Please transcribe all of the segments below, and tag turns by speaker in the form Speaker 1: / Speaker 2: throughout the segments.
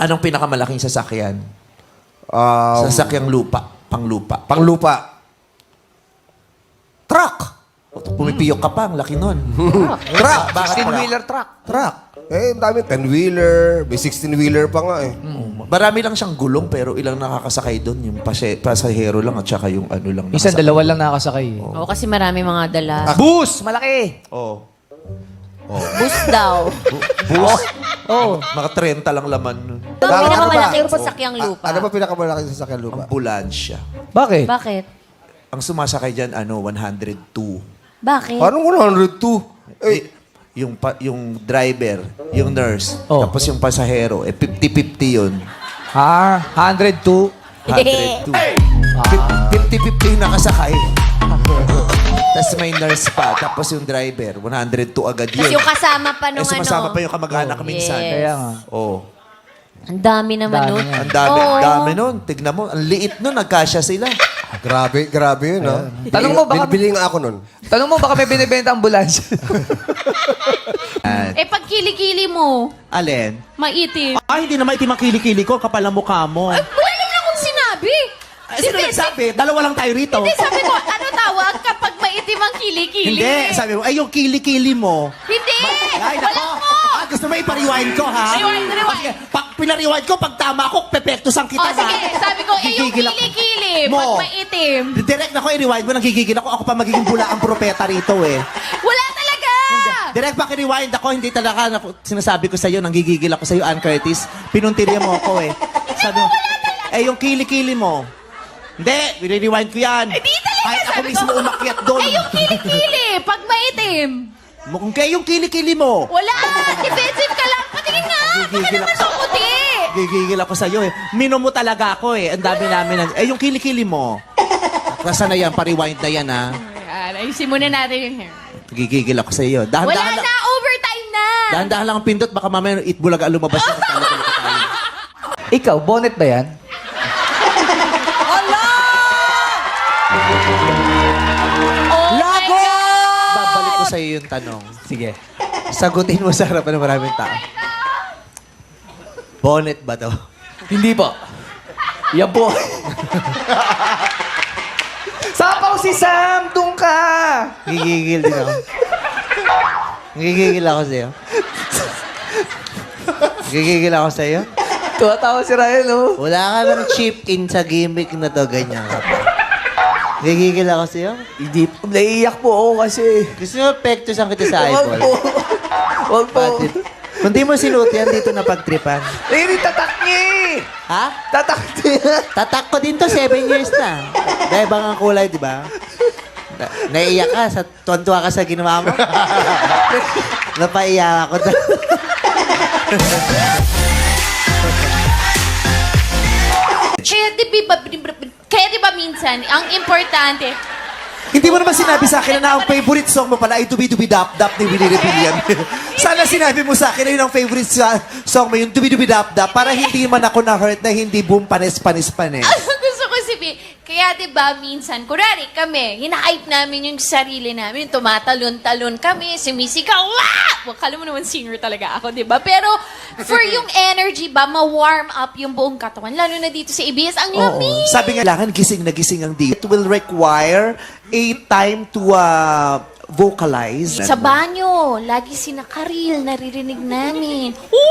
Speaker 1: Anong pinakamalaking sasakyan? Sasakyang lupa. Panglupa.
Speaker 2: Panglupa.
Speaker 1: Truck! Pumipiyok ka pa, ang laki nun.
Speaker 2: Truck.
Speaker 1: Bakit
Speaker 3: 16-wheeler truck.
Speaker 1: Truck.
Speaker 2: Eh, ang dami. 10-wheeler. May 16-wheeler pa nga eh.
Speaker 1: Marami lang siyang gulong pero ilang nakakasakay doon. Yung pasahero lang at saka yung ano lang.
Speaker 3: Minsan dalawa lang nakasakay.
Speaker 4: Oo, kasi marami mga dala.
Speaker 3: Bus! Malaki!
Speaker 1: Oo.
Speaker 4: Bus daw.
Speaker 1: Bus?
Speaker 3: Oh.
Speaker 1: Mga 30 lang laman nun.
Speaker 4: Ito ang pinakamalaking sasakyang lupa.
Speaker 2: Ano ba pinakamalaking sasakyan lupa?
Speaker 1: Ambulansya.
Speaker 3: Bakit?
Speaker 4: Bakit?
Speaker 1: Ang sumasakay dyan, 102.
Speaker 4: Bakit?
Speaker 2: Paano 102? Eh,
Speaker 1: Yung driver, yung nurse,
Speaker 3: Oh.
Speaker 1: tapos yung pasahero, 50-50 yun.
Speaker 3: 102.
Speaker 1: 102. 50-50 yung nakasakay. Tapos may nurse pa, tapos yung driver, 102 agad yun.
Speaker 4: Tapos yung kasama pa nung
Speaker 1: sumasama
Speaker 4: ano.
Speaker 1: pa yung kamag-anak minsan.
Speaker 4: Yes.
Speaker 3: Kaya nga.
Speaker 1: Oh.
Speaker 4: Ang dami naman
Speaker 3: Dami
Speaker 4: nun.
Speaker 3: yan.
Speaker 1: Ang dami,
Speaker 4: Oo.
Speaker 1: dami nun. Tignan mo, ang liit nun, nagkasya sila.
Speaker 2: grabe yun, ha?
Speaker 3: Tanong mo, baka-
Speaker 2: Bili nga ako nun.
Speaker 3: Tanong mo, baka may binibenta ambulansya.
Speaker 5: Eh, pag kilikili mo,
Speaker 1: Alin?
Speaker 5: maitim.
Speaker 1: Hindi na maitim ang kilikili ko, kapal ang mukha mo.
Speaker 5: Wala naman akong sinabi.
Speaker 1: Sino nagsabi? Dalawa lang tayo rito.
Speaker 5: Hindi, sabi ko, ano tawag kapag maitim ang kilikili?
Speaker 1: Hindi, sabi mo, ay yung kilikili mo.
Speaker 5: Hindi!
Speaker 1: Ay,
Speaker 5: Wala
Speaker 1: nako.
Speaker 5: mo!
Speaker 1: Gusto mo ipariwind ko, ha?
Speaker 5: Rewind.
Speaker 1: Pag pinariwind ko, pag tama ko, pepektusan kita,
Speaker 5: O, sige, sabi ko, eh, yung
Speaker 1: Gigigil ako.
Speaker 5: kilikili,
Speaker 1: Mo.
Speaker 5: pag maitim.
Speaker 1: Direct na ko, i-rewind mo, nagigigil ako. Ako pa magiging bula ang propeta rito, eh.
Speaker 5: Wala talaga!
Speaker 1: Direct pa i-rewind ako, hindi talaga, sinasabi ko sa'yo, nanggigigil ako sa'yo, Ann Curtis. Pinuntirya mo ako, eh. Sabi mo, yung kilikili mo. Hindi, i-rewind ko yan.
Speaker 5: Hindi talaga,
Speaker 1: Kahit ako
Speaker 5: sabi
Speaker 1: mismo
Speaker 5: ko.
Speaker 1: umakyat doon.
Speaker 5: Eh, yung kilikili, pag maitim.
Speaker 1: Mukhang kayo yung kilikili mo.
Speaker 5: Wala! Defensive ka lang. Patingin nga! Baka
Speaker 1: Gigigil
Speaker 5: naman
Speaker 1: ako.
Speaker 5: sa puti!
Speaker 1: Gigigil ako sa'yo, eh. Minom mo talaga ako, eh. Ang dami namin. Yung kilikili mo. Nasa na yan, pa-rewind na yan, ha.
Speaker 5: Ayan, ayusin muna natin yung hair.
Speaker 1: Gigigil ako sa'yo.
Speaker 5: Wala
Speaker 1: Dahan-dahan
Speaker 5: na!
Speaker 1: lang.
Speaker 5: Overtime na!
Speaker 1: Dahan-dahan lang ang pindot, baka mamaya itbulaga lumabas yan.
Speaker 3: Ikaw, bonnet ba yan?
Speaker 5: Oh
Speaker 1: Lago!
Speaker 5: my God!
Speaker 1: Babalik ko sa'yo yung tanong.
Speaker 3: Sige.
Speaker 1: Sagutin mo sa harapan ng maraming tao. Bonnet ba to?
Speaker 3: Hindi po. Yan po. Sapaw si Sam! Doon ka!
Speaker 1: Gigigil din ako. Gigigil ako sa'yo. Gigigil ako sa'yo.
Speaker 3: Tuwatawa si Ryan, oh.
Speaker 1: Wala ka ng chip in sa gimmick na to, ganyan ka pa. Gigigil ako sa'yo.
Speaker 3: Hindi po. Naiiyak po ako kasi.
Speaker 1: Gusto mo pektusan kita sa
Speaker 3: Huwag
Speaker 1: eyeball?
Speaker 3: po. Huwag po.
Speaker 1: Bakit? Kung di mo sinuot yan, dito na pagtripan.
Speaker 3: Hindi, tatak niya eh.
Speaker 1: Ha?
Speaker 3: Tatak niya.
Speaker 1: Tatak ko din to, 7 years na. Dahil bang ang kulay, di ba? Naiiyak ka, tuwan-tuwa ka sa ginawa mo. Napaiyak ako.
Speaker 5: Kaya di ba minsan, ang importante,
Speaker 1: Hindi mo naman sinabi sa akin na ang favorite song mo pala ay Dubi-Dubi Dap Dap ni Willie Rebellion. Sana sinabi mo sa akin na yun ang favorite song mo, yung Dubi-Dubi Dap Dap, para hindi man ako na-hurt na hindi boom panis-panis-panis.
Speaker 5: gusto ko sabihin, kaya di ba minsan, kunwari kami, hina-hype namin yung sarili namin, tumatalon-talon kami, sumisikaw, wah! Well, kala mo naman singer talaga ako, di ba? Pero for yung energy ba, ma-warm up yung buong katawan, lalo na dito sa ABS, ang lamig!
Speaker 1: Sabi nga, kailangan gising na gising ang di. It will require a time to vocalize.
Speaker 5: Sa banyo, lagi sinakaril, naririnig namin.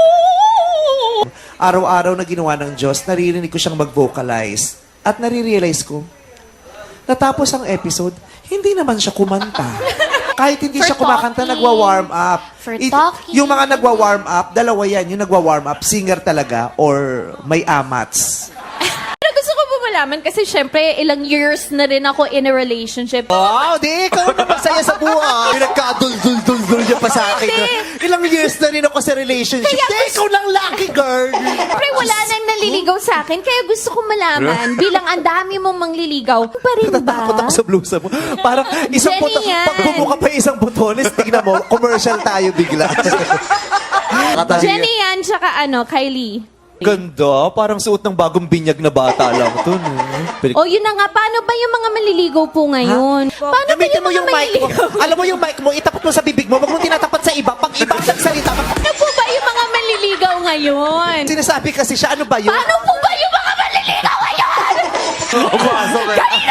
Speaker 1: Araw-araw na ginawa ng Diyos, naririnig ko siyang mag-vocalize. At nare-realize ko, natapos ang episode, hindi naman siya kumanta. Kahit hindi
Speaker 5: For
Speaker 1: siya kumakanta,
Speaker 5: talking.
Speaker 1: nagwa-warm up.
Speaker 5: For talking.
Speaker 1: Yung mga nagwa-warm up, dalawa yan. Yung nagwa-warm up, singer talaga or may amats.
Speaker 5: Pero gusto ko po malaman kasi syempre ilang years na rin ako in a relationship.
Speaker 1: Wow, di ikaw na magsaya sa buhay. Nagka-dul-dul-dul-dul niya pa sa akin. Ilang years na rin ako sa relationship. Di, ikaw lang lucky, girl.
Speaker 5: Siyempre wala nang naliligaw sa akin kaya gusto ko malaman bilang ang dami mong mangliligaw. Pa rin ba?
Speaker 1: Natatakot ako sa blusa mo. Parang isang
Speaker 5: Jenny
Speaker 1: buto,
Speaker 5: yan.
Speaker 1: pag bumuka pa yung isang butones, tignan mo, commercial tayo bigla.
Speaker 5: Jenny yan, tsaka Kylie.
Speaker 1: Ganda, parang suot ng bagong binyag na bata lang to. No?
Speaker 5: O yun na nga, paano ba yung mga manliligaw po ngayon? Paano ba
Speaker 1: Gamitin
Speaker 5: yung
Speaker 1: mo
Speaker 5: mga
Speaker 1: yung mic mo.
Speaker 5: manliligaw?
Speaker 1: Alam mo yung mic mo, itapat mo sa bibig mo, wag mo tinatapat sa iba. Pag iba ang nagsalita,
Speaker 5: Ano po ba yung mga manliligaw manliligaw ngayon?
Speaker 1: Sinasabi kasi siya, ano ba yun?
Speaker 5: Paano po ba yung mga manliligaw ngayon?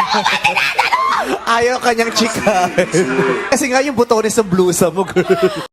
Speaker 1: Ayaw kanyang chika. Kasi nga yung butones ng blusa mo, girl.